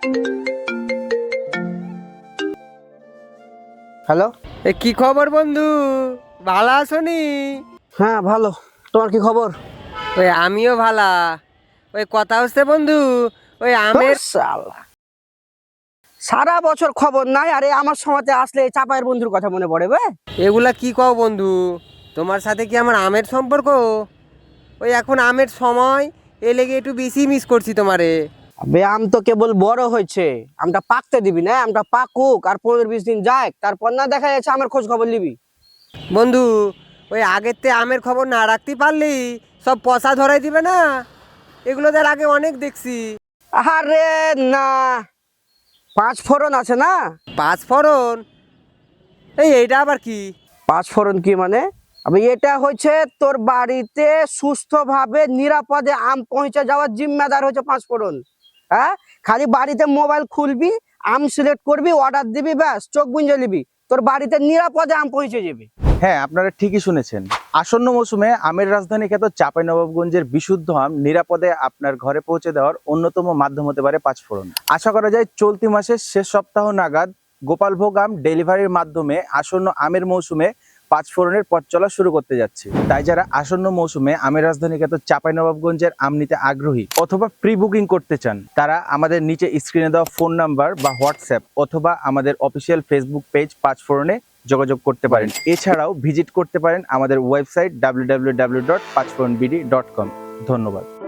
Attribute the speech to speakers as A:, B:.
A: Hello.
B: কি খবর বন্ধু, ভালো আছোনি?
A: হ্যাঁ ভালো, তোমার কি খবর?
B: আমিও ভালা। কথা হচ্ছে বন্ধু, আমের।
A: ধুর শালা, সারা বছর খবর নাই, আরে আমার সময়তে আসলে এই চাপায়ের বন্ধুর কথা মনে পড়ে বে।
B: এগুলা কি কও বন্ধু, তোমার সাথে কি আমার আমের সম্পর্ক? এখন আমের সময়, এ লেগে একটু বেশি মিস করছি তোমারে।
A: আবে আম তো কেবল বড় হয়েছে, আমটা পাকতে দিবি না, আমটা পাকুক আর 15-20 দিন যাক, তারপর না দেখা যাচ্ছে আমার খোঁজ খবর নিবি।
B: বন্ধু, আগের তে আমের খবর না রাখতে পারলি সব পচা ধরাই দিবে না? এগুলো তার আগে অনেক দেখছি।
A: আরে না, 5 ফোড়ন আছে না।
B: পাঁচ ফোড়ন? এইটা আবার কি?
A: 5 ফোড়ন কি মানে? আমি এটা হচ্ছে তোর বাড়িতে সুস্থভাবে নিরাপদে আম পৌঁছে যাওয়ার জিম্মেদার হচ্ছে 5 ফোড়ন। হ্যাঁ, খালি বাড়িতে মোবাইল খুলবি, আম সিলেক্ট করবি, অর্ডার দিবি, ব্যাস চোখ বুঁজে নিবি, তোর বাড়িতে নিরাপদে আম পৌঁছে যাবে।
C: হ্যাঁ, আপনারা ঠিকই শুনেছেন। আসন্ন মৌসুমে আমের রাজধানী খ্যাত চাঁপাইনবাবগঞ্জের বিশুদ্ধ আম নিরাপদে আপনার ঘরে পৌঁছে দেওয়ার অন্যতম মাধ্যম হতে পারে 5 ফোড়ন। আশা করা যায় চলতি মাসের শেষ সপ্তাহ নাগাদ গোপালভোগ আম ডেলিভারির মাধ্যমে আসন্ন আমের মৌসুমে 5 ফোড়নের পথ চলা শুরু করতে যাচ্ছে। তাই যারা আসন্ন মৌসুমে আমের রাজধানী খ্যাত চাঁপাইনবাবগঞ্জের আম নিতে আগ্রহী অথবা প্রি বুকিং করতে চান, তারা আমাদের নিচে স্ক্রিনে দেওয়া ফোন নাম্বার বা হোয়াটসঅ্যাপ অথবা আমাদের অফিসিয়াল ফেসবুক পেজ 5ফোড়নে যোগাযোগ করতে পারেন। এছাড়াও ভিজিট করতে পারেন আমাদের ওয়েবসাইট www.5foronbd.com। ধন্যবাদ।